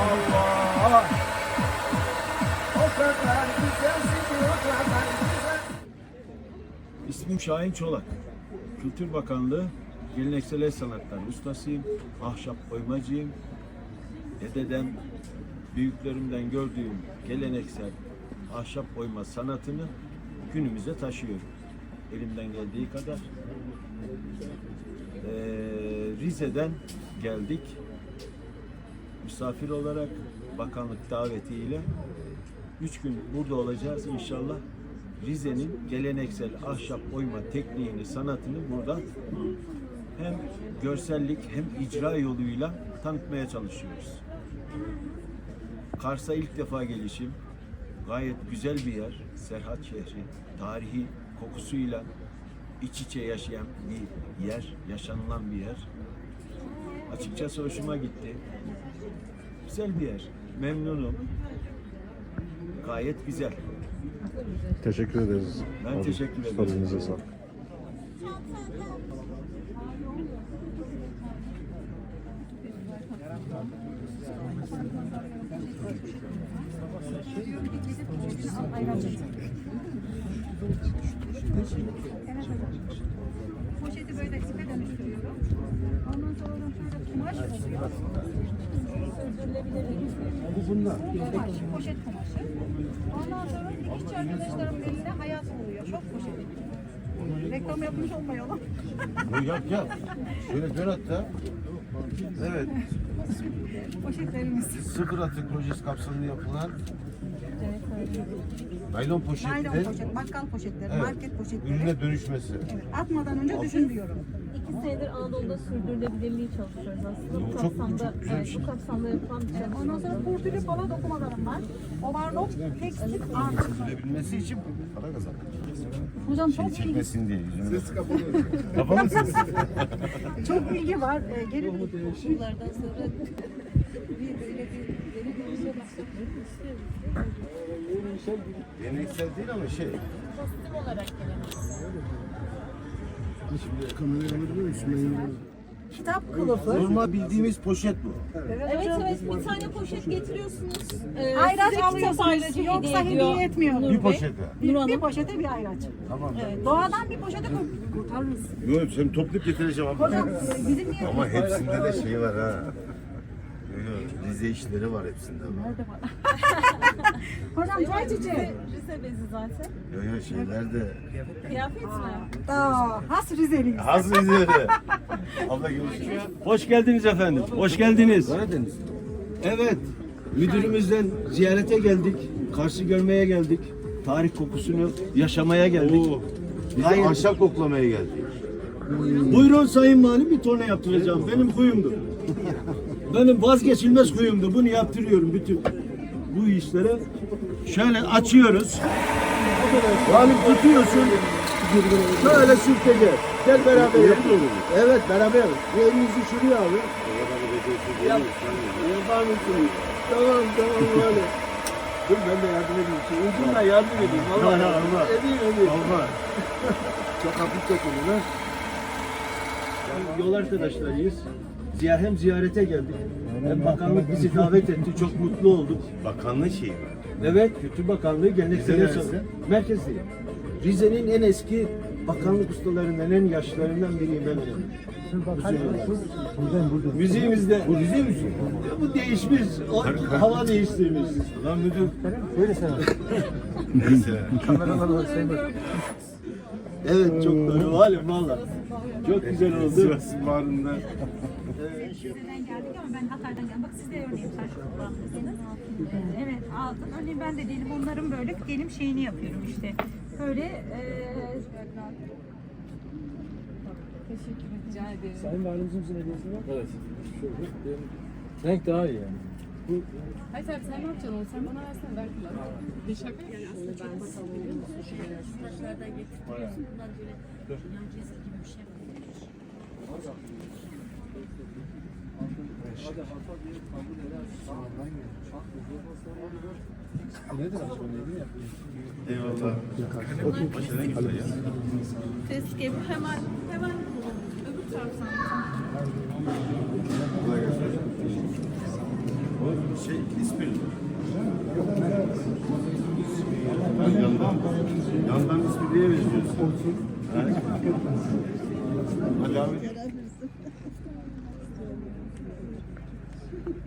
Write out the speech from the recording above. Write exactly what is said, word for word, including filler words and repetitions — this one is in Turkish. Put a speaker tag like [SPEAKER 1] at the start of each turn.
[SPEAKER 1] Allah. O kadar güzelsin ki o kadar güzel. İsmim Şahin Çolak. Kültür Bakanlığı Geleneksel El Sanatları ustasıyım. Ahşap oymacıyım. Dededen, büyüklerimden gördüğüm geleneksel ahşap oyma sanatını günümüze taşıyorum. Elimden geldiği kadar. Ee, Rize'den geldik. Misafir olarak bakanlık davetiyle üç gün burada olacağız inşallah. Rize'nin geleneksel ahşap oyma tekniğini, sanatını burada hem görsellik hem icra yoluyla tanıtmaya çalışıyoruz. Kars'a ilk defa gelişim. Gayet güzel bir yer. Serhat şehri. Tarihi kokusuyla iç içe yaşayan bir yer. Yaşanılan bir yer. Açıkçası hoşuma gitti. Güzel bir yer. Memnunum. Gayet güzel.
[SPEAKER 2] Teşekkür ederiz.
[SPEAKER 1] Ben
[SPEAKER 2] abi.
[SPEAKER 1] teşekkür ederim.
[SPEAKER 2] Elinize sağlık.
[SPEAKER 3] Poşeti böyle ipe dönüştürüyorum. Ondan sonra oradan şöyle kumaş oluyor. Sürdürülebilir bir kumaş, poşet kumaşı. Ondan sonra dikişçi arkadaşlarımın elinde hayat oluyor. Çok poşet. Reklam yapmış olmayalım.
[SPEAKER 4] Yap yap. Şöyle dön hatta. Evet.
[SPEAKER 3] Poşetlerimiz.
[SPEAKER 4] Sıfır atık projesi kapsamında yapılan naylon poşetler.
[SPEAKER 3] Naylon poşet, bakkal poşetleri,
[SPEAKER 4] Evet.
[SPEAKER 3] market poşetleri.
[SPEAKER 4] Ürüne dönüşmesi.
[SPEAKER 3] Evet, atmadan önce düşün diyorum.
[SPEAKER 5] İki senedir Anadolu'da sürdürülebilirliği çalışıyoruz aslında. Bu
[SPEAKER 4] Çok-
[SPEAKER 5] kapsamda,
[SPEAKER 4] çok güzel bir
[SPEAKER 5] evet,
[SPEAKER 4] şey.
[SPEAKER 5] bu kapsamda yapılan bir
[SPEAKER 3] Evet, ondan sonra
[SPEAKER 5] çalışma.
[SPEAKER 3] kurtülü pala dokumalarım var. Overlock, tekstil, artı.
[SPEAKER 4] Sürdürülebilmesi için para kazanmak.
[SPEAKER 3] Hocam çok bilgi,
[SPEAKER 4] Çekmesin diye yüzünü. Ses kapalı. Kapalı mısınız?
[SPEAKER 3] çok bilgi var. Ee, gelin
[SPEAKER 5] Bunlardan sonra bir böyle bir yeni bir şey başlatmak istiyoruz.
[SPEAKER 4] Geleneksel değil ama şey.
[SPEAKER 5] Kostüm olarak geleneksel.
[SPEAKER 3] kitap kılıfı.
[SPEAKER 4] Normal bildiğimiz poşet bu.
[SPEAKER 5] Evet evet bir tane poşet getiriyorsunuz. Ee,
[SPEAKER 3] Ayraç
[SPEAKER 5] size kitap
[SPEAKER 3] alıyorsunuz.
[SPEAKER 5] ayracı
[SPEAKER 3] Yoksa
[SPEAKER 5] hediye ediyor
[SPEAKER 3] hediye etmiyor.
[SPEAKER 5] Nur
[SPEAKER 4] Bir
[SPEAKER 5] Bey.
[SPEAKER 4] poşete.
[SPEAKER 3] Bir,
[SPEAKER 5] Nur Hanım.
[SPEAKER 3] bir poşete bir ayraç.
[SPEAKER 4] Tamam.
[SPEAKER 3] Doğadan bir poşete kur- kurtarırız.
[SPEAKER 4] Yok seni toplayıp getireceğim abla.
[SPEAKER 3] Hocam e, bizim niye?
[SPEAKER 4] Ama hepsinde de şey var ha. Yok, yok, Rize işleri var hepsinde.
[SPEAKER 3] Nerede var? Hocam çay çiçeği.
[SPEAKER 5] Rize bezi zaten.
[SPEAKER 4] Yok yok şeyler de.
[SPEAKER 5] Kıyafet mi?
[SPEAKER 3] Aa, has Rizeliyiz.
[SPEAKER 4] Az Rize'de. Abla görüşürüz.
[SPEAKER 1] Hoş geldiniz efendim. Hoş geldiniz.
[SPEAKER 4] Karadeniz.
[SPEAKER 1] Evet. Müdürümüzden ziyarete geldik. Kars'ı görmeye geldik. Tarih kokusunu yaşamaya geldik.
[SPEAKER 4] Oo. Biz de
[SPEAKER 1] Gayet-
[SPEAKER 4] ahşap koklamaya geldik.
[SPEAKER 1] Buyurun Sayın Valim, bir torna yaptıracağım. Benim huyumdur. Benim vazgeçilmez huyumdur. Bunu yaptırıyorum bütün bu işlere. Şöyle açıyoruz. Valim tutuyorsun. Şöyle sürtece. Gel beraber yapalım. Evet beraber yapalım. Bu elinizi şuraya abi. Yap. Yapar mısınız? Tamam tamam Valim. Dur ben de yardım edeyim. Şu ucunla yardım edeyim. Allah Allah. Edeyim edeyim. Allah. Çok hafif dokunun ha. Yol arkadaşlarıyız. Ziya- Hem ziyarete geldik. Hem bakanlık bizi davet etti. Çok mutlu olduk.
[SPEAKER 4] Bakanlığı şeyi var.
[SPEAKER 1] Evet, Kültür Bakanlığı Geleneksel
[SPEAKER 4] Rize
[SPEAKER 1] El Sanatı
[SPEAKER 4] neresi?
[SPEAKER 1] Merkezi. Rize'nin en eski bakanlık ustalarından, en yaşlılarından biriyim ben. Müziğimizde.
[SPEAKER 4] Bu Rize müziği.
[SPEAKER 1] Bu değişmiş, o hava değiştirmiş.
[SPEAKER 4] Lan müdür.
[SPEAKER 1] Böyle sen.
[SPEAKER 4] Neyse.
[SPEAKER 1] Evet, çok doğru. Halim valla. Çok güzel oldu.
[SPEAKER 4] Sivas bağrında.
[SPEAKER 3] Rize'den geldik ama ben Hatay'dan geldim. Bak siz de örneğin taş kullanmışsınız. Ee, evet altın. Örneğin ben de diyelim onların böyle diyelim şeyini yapıyorum işte. Böyle e,
[SPEAKER 5] Teşekkür rica ederim.
[SPEAKER 6] Sayın Valimizin bize hediyesi var. Evet. Şöyle. Benim renk daha iyi yani. Bu
[SPEAKER 7] Hayır abi sen ne yapacaksın onu? Sen bana versene ver kullan. Bir şaka yani aslında çok basit biliyor musun?
[SPEAKER 8] Dışarıdan getiriyorsun. Bundan böyle yan ceza gibi bir şey var.
[SPEAKER 6] nedir aslında? Ne yapıyor?
[SPEAKER 4] Eyvallah. Başına gidiyor ya.
[SPEAKER 5] Keşke hemen hemen öbür taraftan.
[SPEAKER 4] Kolay gelsin. O şey İspir. Ben yandan, yandan İspirli'ye benziyorsun. Evet. Hadi abi.